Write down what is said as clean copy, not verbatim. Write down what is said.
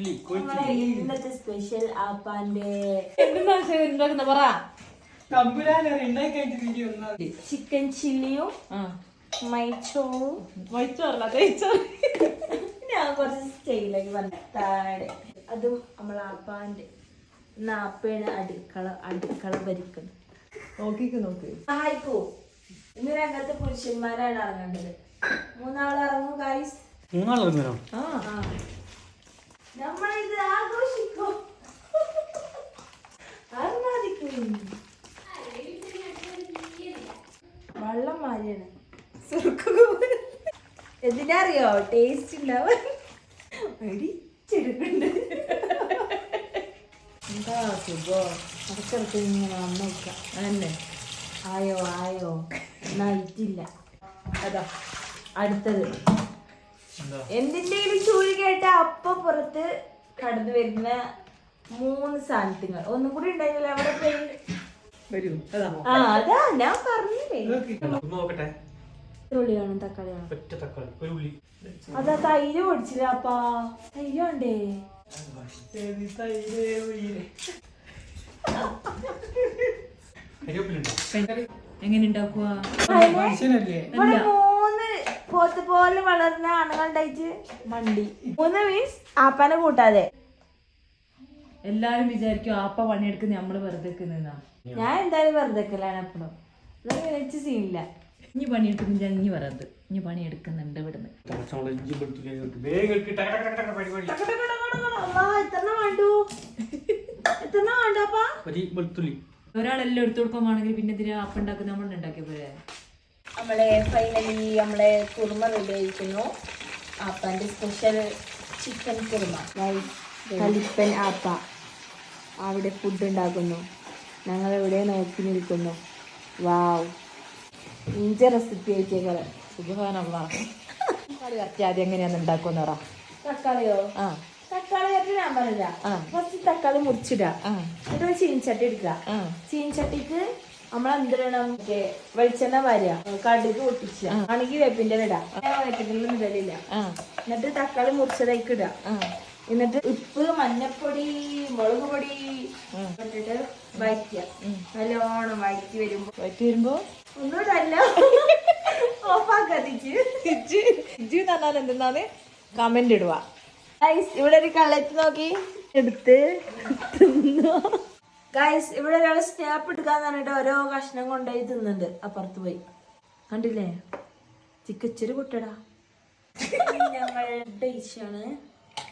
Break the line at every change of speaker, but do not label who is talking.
ഇന്നത്തെ special ആപ്പാന്റെ chicken ചില്ലിയും ഞാൻ കുറച്ച് സ്റ്റൈലാക്കി പറഞ്ഞ അതും നമ്മളെ ആപ്പാന്റെ ആപ്പയാണ് അടുക്കള ഭരിക്കുന്നത്. നോക്ക് സഹായിക്കൂ. ഇന്ന് രംഗത്ത് പുരുഷന്മാരാണ് ഇറങ്ങേണ്ടത്. 3 ആൾ ഇറങ്ങും ഗൈസ്.
3 ആൾ ഇറങ്ങണോ?
നമ്മളിത് ആഘോഷിക്കും. വെള്ളം മാറിയാണ്. എന്തിനാ അറിയോ? ടേസ്റ്റ് ഉണ്ടാവാൻ എന്താ സുഖം. അടച്ചിടത്ത് ഇങ്ങനെ വന്നു നോക്കാം. അതന്നെ ആയോ നയിറ്റില്ല. അതാ അടുത്തത്. എന്തിന്റെയും ചൂല് കേട്ട അപ്പൊ പുറത്ത് കടന്നു വരുന്ന 3 സാധനങ്ങൾ. ഒന്നും കൂടി ഉണ്ടായില്ല. അവിടെ പോയി അതാ ഞാൻ പറഞ്ഞില്ലേ. ഉള്ളിയാണ് തക്കാളിയാണ്. അതാ തൈര് പൊടിച്ചില്ല. അപ്പാ തൈര് വേണ്ടേ?
എങ്ങനെ ഉണ്ടാക്കുക?
3 പോത്ത് പോലെ വളർന്ന ആണുങ്ങളുണ്ടായിട്ട് മണ്ടി. 3 മീൻസ് ആപ്പാനെ കൂട്ടാതെ.
എല്ലാരും വിചാരിക്കും ആപ്പ പണിയെടുക്കുന്ന നമ്മള് വെറുതെ
ഞാൻ എന്തായാലും വെറുതെക്കലാണ് എപ്പോഴും. വെച്ച് സീനില്ല.
ഇനി പണിയെടുക്കുന്നില്ല. ഇനി വെറുതെ ഇനി പണിയെടുക്കുന്നുണ്ട് ഇവിടുന്ന്. ഒരാളെല്ലാം എടുത്തു കൊടുക്കുമ്പോണെങ്കിൽ പിന്നെ ഇതിന് ആപ്പ ഉണ്ടാക്കുന്ന നമ്മൾ ഉണ്ടാക്കിയ പോലെ.
നമ്മളെ ഫൈനലി നമ്മളെ കുറുമ റെഡി ആയിരിക്കുന്നു. ആപ്പാന്റെ സ്പെഷ്യൽ ചിക്കൻ കുറുമ. കലിപ്പൻ ആപ്പ അവിടെ ഫുഡ് ഉണ്ടാക്കുന്നു. ഞങ്ങൾ ഇവിടെ നോക്കി നിൽക്കുന്നു. വാവ്, ഇഞ്ച റെസിപ്പി ആയിട്ടേക്കാളെ
ആദ്യം എങ്ങനെയാന്ന് ഉണ്ടാക്കുമെന്ന് പറ.
തക്കാളിയോ? തക്കാളി ഞാൻ പറഞ്ഞ ഫസ്റ്റ് തക്കാളി മുറിച്ചിടാ. എന്നിട്ട് ചീനിച്ചട്ടി എടുക്കുക. ചീനിച്ചട്ടിക്ക് നമ്മളെന്തിടണം? വെളിച്ചെണ്ണ വാരുക, കടുക് പൊട്ടിച്ച, ആണെങ്കിൽ വേപ്പിന്റെ ഇടാം. വേപ്പിന്റെ ഇടലില്ല. എന്നിട്ട് തക്കാളി മുറിച്ചതായിക്ക് ഇടുക. എന്നിട്ട് ഉപ്പ്, മഞ്ഞപ്പൊടി, മുളക് പൊടി ഇട്ടിട്ട് വഴറ്റുക. നല്ലോണം വഴറ്റി വരുമ്പോ ഒന്നും ഇടല്ല, ഓഫാക്കാതിച്ച്
എന്തെന്നാണ് കമന്റ് ഇടുക.
ഇവിടെ ഒരു കള്ളത്ത് നോക്കി എടുത്ത് ഗൈസ്. ഇവിടെ ഒരാൾ സ്നാപ്പ് എടുക്കാന്ന് പറഞ്ഞിട്ട് ഓരോ കഷ്ണം കൊണ്ടുപോയി തിന്നുന്നുണ്ട്. അപ്പുറത്ത് പോയി കണ്ടില്ലേ? ചിക്കച്ചൊരു കുട്ടടാ. ഞങ്ങളുടെ ഡിഷാണ്.